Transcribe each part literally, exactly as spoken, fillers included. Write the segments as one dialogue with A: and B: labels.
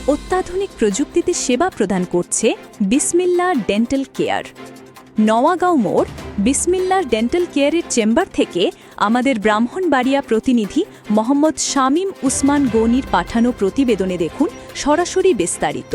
A: অত্যাধুনিক প্রযুক্তিতে সেবা প্রদান করছে বিসমিল্লাহ ডেন্টাল কেয়ার। নওয়াগাঁও মোড় বিসমিল্লাহ ডেন্টাল কেয়ারের চেম্বার থেকে আমাদের ব্রাহ্মণবাড়িয়া প্রতিনিধি মোহাম্মদ শামীম উসমান গনির পাঠানো প্রতিবেদনে দেখুন সরাসরি বিস্তারিত।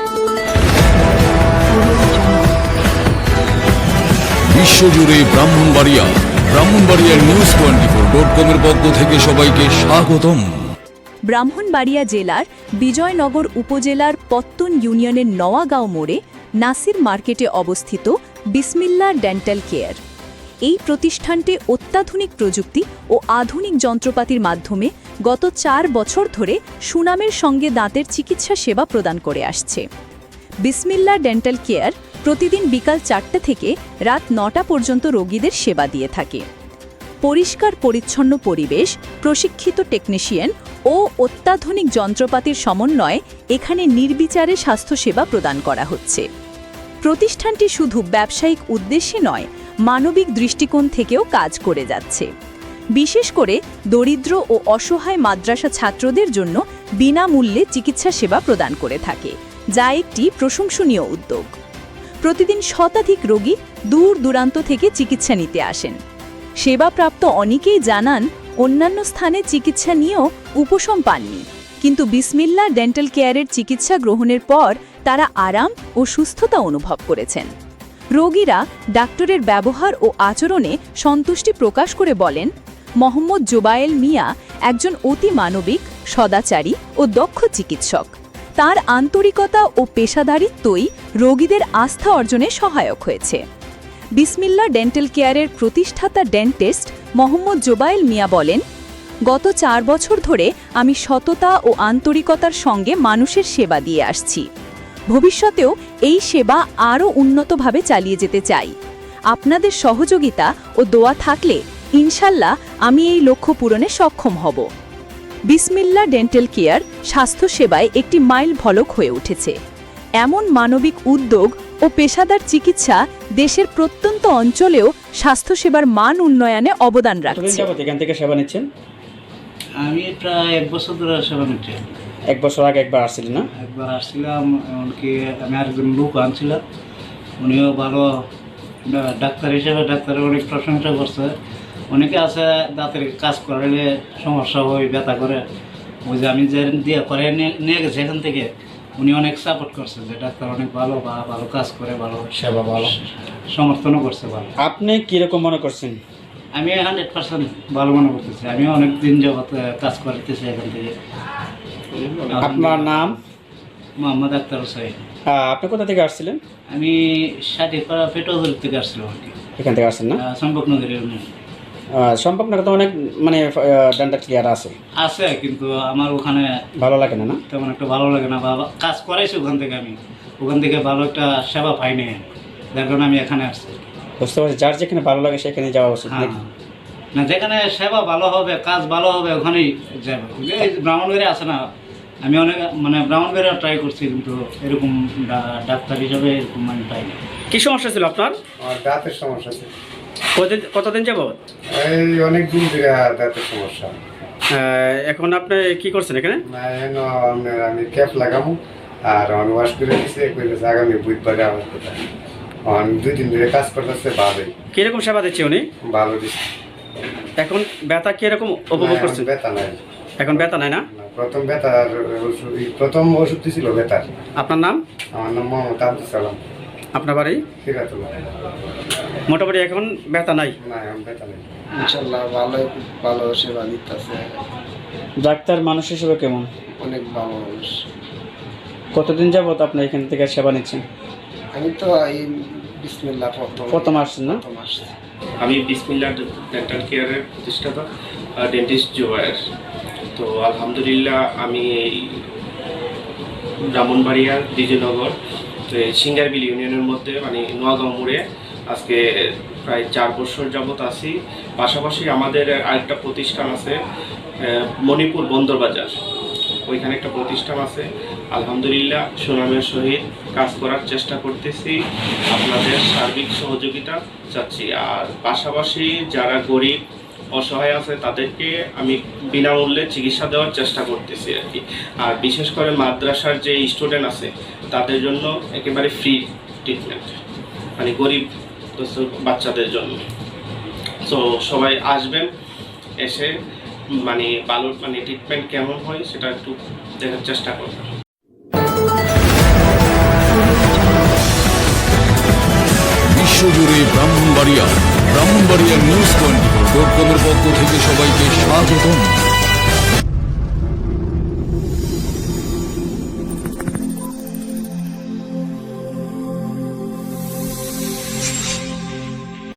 B: বিশ্বজুড়ে ব্রাহ্মণবাড়িয়া ব্রাহ্মণবাড়িয়ার news twenty four dot com এর পক্ষ থেকে সবাইকে স্বাগতম।
A: ব্রাহ্মণবাড়িয়া জেলার বিজয়নগর উপজেলার পত্তন ইউনিয়নের নওয়াগাঁও মোড়ে নাসির মার্কেটে অবস্থিত বিসমিল্লাহ ডেন্টাল কেয়ার। এই প্রতিষ্ঠানটি অত্যাধুনিক প্রযুক্তি ও আধুনিক যন্ত্রপাতির মাধ্যমে গত চার বছর ধরে সুনামের সঙ্গে দাঁতের চিকিৎসা সেবা প্রদান করে আসছে। বিসমিল্লাহ ডেন্টাল কেয়ার প্রতিদিন বিকাল চারটে থেকে রাত নটা পর্যন্ত রোগীদের সেবা দিয়ে থাকে। পরিষ্কার পরিচ্ছন্ন পরিবেশ, প্রশিক্ষিত টেকনিশিয়ান ও অত্যাধুনিক যন্ত্রপাতির সমন্বয়ে এখানে নির্বিচারে স্বাস্থ্যসেবা প্রদান করা হচ্ছে। প্রতিষ্ঠানটি শুধু ব্যবসায়িক উদ্দেশ্যে নয়, মানবিক দৃষ্টিকোণ থেকেও কাজ করে যাচ্ছে। বিশেষ করে দরিদ্র ও অসহায় মাদ্রাসা ছাত্রদের জন্য বিনামূল্যে চিকিৎসা সেবা প্রদান করে থাকে, যা একটি প্রশংসনীয় উদ্যোগ। প্রতিদিন শতাধিক রোগী দূর দূরান্ত থেকে চিকিৎসা নিতে আসেন। সেবাপ্রাপ্ত অনেকেই জানান অন্যান্য স্থানে চিকিৎসা নিয়েও উপশম পাননি, কিন্তু বিসমিল্লাহ ডেন্টাল কেয়ারের চিকিৎসা গ্রহণের পর তারা আরাম ও সুস্থতা অনুভব করেছেন। রোগীরা ডাক্তারের ব্যবহার ও আচরণে সন্তুষ্টি প্রকাশ করে বলেন, মোহাম্মদ জোবায়েল মিয়া একজন অতি মানবিক, সদাচারী ও দক্ষ চিকিৎসক। তার আন্তরিকতা ও পেশাদারিত্বই রোগীদের আস্থা অর্জনে সহায়ক হয়েছে। বিসমিল্লাহ ডেন্টাল কেয়ারের প্রতিষ্ঠাতা ডেন্টিস্ট মোহাম্মদ জোবায়েল মিয়া বলেন, গত চার বছর ধরে আমি সততা ও আন্তরিকতার সঙ্গে মানুষের সেবা দিয়ে আসছি। ভবিষ্যতেও এই সেবা আরও উন্নতভাবে চালিয়ে যেতে চাই। আপনাদের সহযোগিতা ও দোয়া থাকলে ইনশাল্লাহ আমি এই লক্ষ্য পূরণে সক্ষম হব। বিসমিল্লাহ ডেন্টাল কেয়ার স্বাস্থ্যসেবায় একটি মাইল ফলক হয়ে উঠেছে। এমন মানবিক উদ্যোগ ও পেশাদার চিকিৎসা দেশের প্রত্যন্ত অঞ্চলেও স্বাস্থ্যসেবার মান উন্নয়নে অবদান রাখছে।
C: এখান থেকে সেবা নিচ্ছেন?
D: আমি প্রায় এক বছর ধরে সেবা নিচ্ছি।
C: এক বছর আগে একবার আসছিলেন না?
D: একবার আসছিলাম, এমনকি আমি আরেকজন লোক আনছিলাম, উনিও ভালো ডাক্তার হিসেবে ডাক্তারের অনেক প্রশংসা করছে। অনেকে আছে দাঁতের কাজ করলে সমস্যা হয়, ব্যথা করে, ওই যে আমি যে দিয়ে করে নিয়ে গেছি এখান থেকে, উনি অনেক সাপোর্ট করছে যে ডাক্তার অনেক ভালো বা ভালো কাজ করে, ভালো
C: সেবা ভালো
D: সমর্থনও করছে ভালো।
C: আপনি কীরকম মনে করছেন?
D: আমি হান্ড্রেড পার্সেন্ট ভালো মনে করতেছি। আমি অনেক দিন যাবত কাজ করতেছি এখান থেকে।
C: আপনার নাম?
D: মোহাম্মদ আক্তার হোসেন।
C: আপনি কোথা থেকে আসছিলেন?
D: আমি ষাটিপাড়া পেটোজোর থেকে আসছিলাম আর কি।
C: এখান থেকে আসছেন না?
D: সম্পর্কনগরের
C: সম্পর্কনগর তো অনেক মানে ডেন্টাল ক্লিয়ার আছে
D: আছে, কিন্তু আমার ওখানে
C: ভালো লাগে না। না
D: তেমন একটা ভালো লাগে না, বা কাজ করাইছি ওখান থেকে, আমি ওখান থেকে ভালো একটা সেবা পাইনি, যার কারণে আমি এখানে আসছি।
C: বুঝতে পারছি, যার যেখানে ভালো লাগে সেখানে যাওয়া উচিত।
D: হ্যাঁ, না যেখানে সেবা ভালো হবে, কাজ ভালো হবে, ওখানেই যাবে। এই ব্রাহ্মণবাড়িয়া আছে না, আমি অনেক মানে ব্রাহ্মণবাড়িয়া ট্রাই করছি, কিন্তু এরকম ডাক্তার হিসাবে এরকম আমি পাইনি।
C: কী সমস্যা ছিল আপনার?
E: দাঁতের সমস্যা ছিল।
C: কতদিন কতদিন যাবত?
E: এই অনেক দিন ধরে দাঁতের সমস্যা।
C: এখন আপনি কি করছেন এখানে?
E: আমি ক্যাপ লাগাবো আর অন ওয়াশ করে দিচ্ছে, আগামী বুধবারে আমার কথা অন দুই দিন ধরে কাজ করতেছে। ভালোই।
C: কীরকম সেবা দিচ্ছে উনি?
E: ভালো দিচ্ছে।
C: এখন ব্যথা কীরকম উপভোগ করছেন?
E: ব্যথা নাই
C: এখন ব্যথা নাই না?
E: প্রথম ব্যথার ওষুধ, প্রথম ওষুধ ছিল ব্যথার।
C: আপনার নাম?
E: আমার নাম মোহাম্মদ আব্দুল সালাম।
C: আপনার বাড়ি?
E: সিরাতুল্লাহ।
C: মোটামুটি এখন ব্যথা নাই?
E: না, এখন ব্যথা নেই।
F: ইনশাল্লাহ ভালো ভালো সেবা দিতেছে।
C: ডাক্তার মানুষ হিসেবে কেমন?
F: অনেক ভালো মানুষ।
C: কতদিন যাবত আপনি এখান থেকে সেবা নিচ্ছেন?
F: আমি তো এই বিসমিল্লাহ প্রথম
C: প্রথম আসছেন না?
F: প্রথম আসছি।
G: আমি বিসমিল্লাহ ডেন্টাল কেয়ারের প্রতিষ্ঠাতা ডেন্টিস্ট জোবায়ের। তো আলহামদুলিল্লাহ আমি এই ব্রাহ্মণবাড়িয়ার বিজয়নগর সিঙ্গারবিল ইউনিয়নের মধ্যে মানে নোয়াগাঁও মোড়ে আজকে প্রায় চার বছর যাবত আছি। পাশাপাশি আমাদের আরেকটা প্রতিষ্ঠান আছে মণিপুর বন্দরবাজার, ওইখানে একটা প্রতিষ্ঠান আছে। আলহামদুলিল্লাহ সুনামের সহিত কাজ করার চেষ্টা করতেছি, আপনাদের সার্বিক সহযোগিতা চাচ্ছি। আর পাশাপাশি যারা গরিব অসহায় আছে তাদেরকে আমি বিনামূল্যে চিকিৎসা দেওয়ার চেষ্টা করতেছি আর কি। আর বিশেষ করে মাদ্রাসার যে স্টুডেন্ট আছে তাদের জন্য একেবারে ফ্রি ট্রিটমেন্ট, মানে গরিব বাচ্চাদের জন্য। তো সবাই আসবেন, এসে মানে ভালো মানে ট্রিটমেন্ট কেমন হয় সেটা একটু দেখার চেষ্টা করবেন।
B: বিশ্বজুড়ে Brahmanbaria Brahmanbaria news twenty four dot কমের পক্ষ থেকে সবাইকে স্বাগতম।